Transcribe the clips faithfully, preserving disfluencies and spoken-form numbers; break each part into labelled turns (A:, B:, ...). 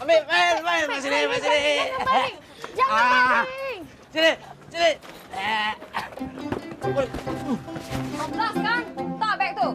A: Ambil, main, main. Mak sini, mak sini.
B: Jangan baling. Jangan
A: Ah.
B: baling.
A: Sini, sini. Eh.
B: Kelas kan? Tak beg tu.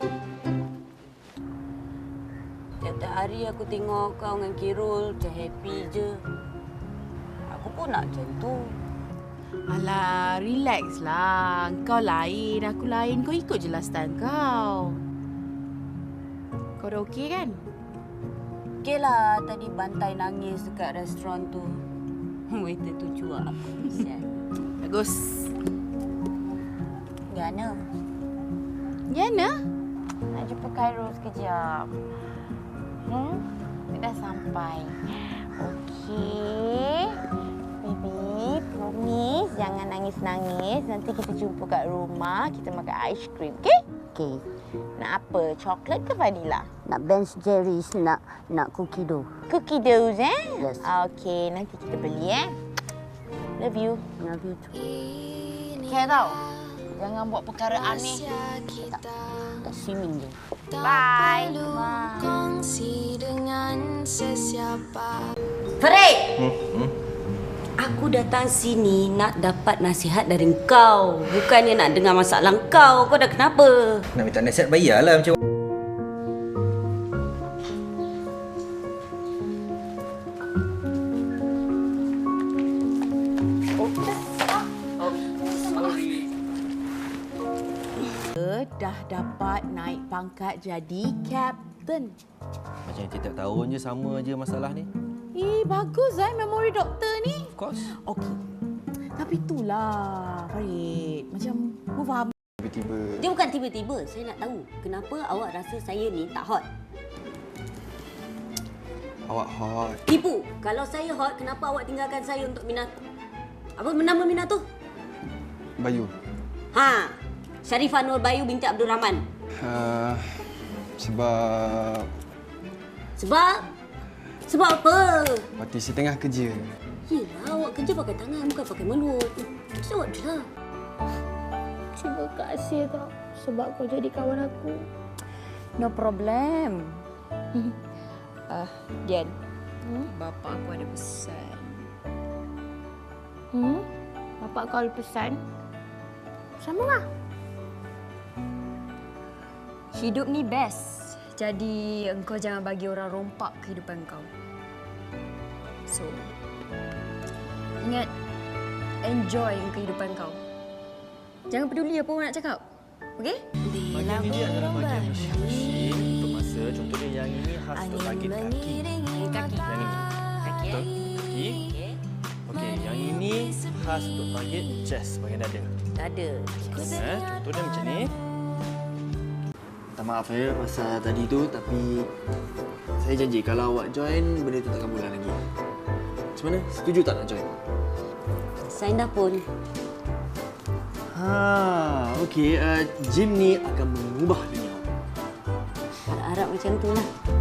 C: Tiap-tiap hari aku tengok kau dengan Kirul macam happy je. Aku pun nak macam tu.
D: Alah, relax lah. Kau lain, aku lain. Kau ikut je lah style kau. Kau dah okey kan?
C: Okey lah, tadi bantai nangis dekat restoran tu. Waiter tu cuak aku. Kesian.
D: Bagus.
C: Gana.
D: Yana?
B: Nak jumpa Khairul sekejap. Hmm? Dia dah sampai. Okey. Baby, promise jangan nangis-nangis. Nanti kita jumpa kat rumah. Kita makan aiskrim, okey?
C: Okey.
B: Nak apa? Coklat ke vanila?
C: Nak Ben Jerry's, nak nak cookie dough.
B: Cookie dough, eh?
C: Yes.
B: Okey, nanti kita beli, eh? Love you.
C: Love you too.
B: Care tau? Jangan buat perkara aneh.
C: Tak, tak swimming je.
B: Bye.
E: Kongsi dengan sesiapa.
C: Farid! Hmm? Hmm? Aku datang sini nak dapat nasihat dari kau. Bukannya nak dengar masalah kau. Kau dah kenapa?
A: Nak minta nasihat bayarlah macam
D: Dah dapat naik pangkat jadi kapten.
A: Macam tiap tahun je sama je masalah ni.
D: Eh, bagus eh memori doktor ni.
A: Of course.
D: Okey. Tapi itulah, Farid. Macam aku faham.
A: Tiba-tiba.
C: Dia bukan tiba-tiba. Saya nak tahu kenapa awak rasa saya ni tak hot.
A: Awak hot.
C: Tipu. Kalau saya hot, kenapa awak tinggalkan saya untuk Minato? Apa nama Minato?
F: Bayu.
C: Ha. Sharifah Nur Bayu binti Abdul Rahman.
F: Uh, sebab
C: Sebab? Sebab apa?
F: waktu saya tengah kerja.
C: Yelah, awak kerja pakai tangan, bukan pakai mulut. Jawab je lah.
B: Terima kasih tau sebab kau jadi kawan aku. No problem.
G: Ah, uh, Dian. Hmm? Bapa aku ada pesan.
B: Hmm? Bapak kau ada pesan? Sama lah.
G: Hidup ni best. Jadi engkau jangan bagi orang rompak kehidupan kau. So, ingat, enjoy kehidupan kau. Jangan peduli apa orang nak cakap. Okey?
H: Bahagian ini adalah bahagian mesin untuk masa. Contohnya yang ini khas untuk bahagian kaki.
G: Kaki.
H: Yang ini.
G: Kaki eh?
H: Betul? Kaki. Okey, yang ini khas untuk bahagian chest, bahagian dada.
C: Dada.
H: Eh, contohnya macam ni.
F: Minta maaf ya pasal tadi tu, tapi saya janji kalau awak join, benda tu takkan bulan lagi. Macam mana? Setuju tak nak join?
C: Sign dah pun.
F: Ha, okey. Uh, gym ni akan mengubah dunia.
C: Harap-harap macam tu lah.